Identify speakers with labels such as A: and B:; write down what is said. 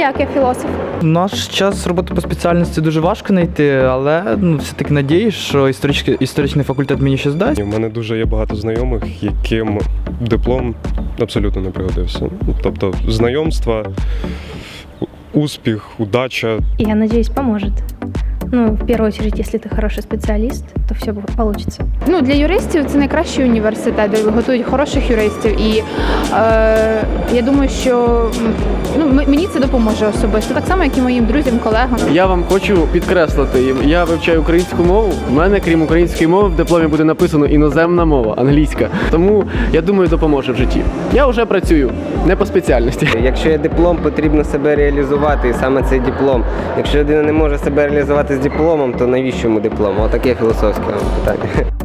A: як я філософ?
B: В наш час роботи по спеціальності дуже важко знайти, але все-таки надіюсь, що історичний факультет мені ще здасть.
C: У мене дуже є багато знайомих, яким диплом абсолютно не пригодився. Тобто знайомства, успіх, удача.
A: Я надеюсь, поможет. В первую очередь, если ты хороший специалист, то все получится.
D: Для юристів це найкращий університет, де готують хороших юристів. І я думаю, що мені це допоможе особисто, так само, як і моїм друзям, колегам.
E: Я вам хочу підкреслити, я вивчаю українську мову. У мене, крім української мови, в дипломі буде написано іноземна мова, англійська. Тому, я думаю, допоможе в житті. Я вже працюю, не по спеціальності.
F: Якщо є диплом, потрібно себе реалізувати, і саме цей диплом. Якщо людина не може себе реалізувати з дипломом, то навіщо йому диплом? Отаке філософське питання.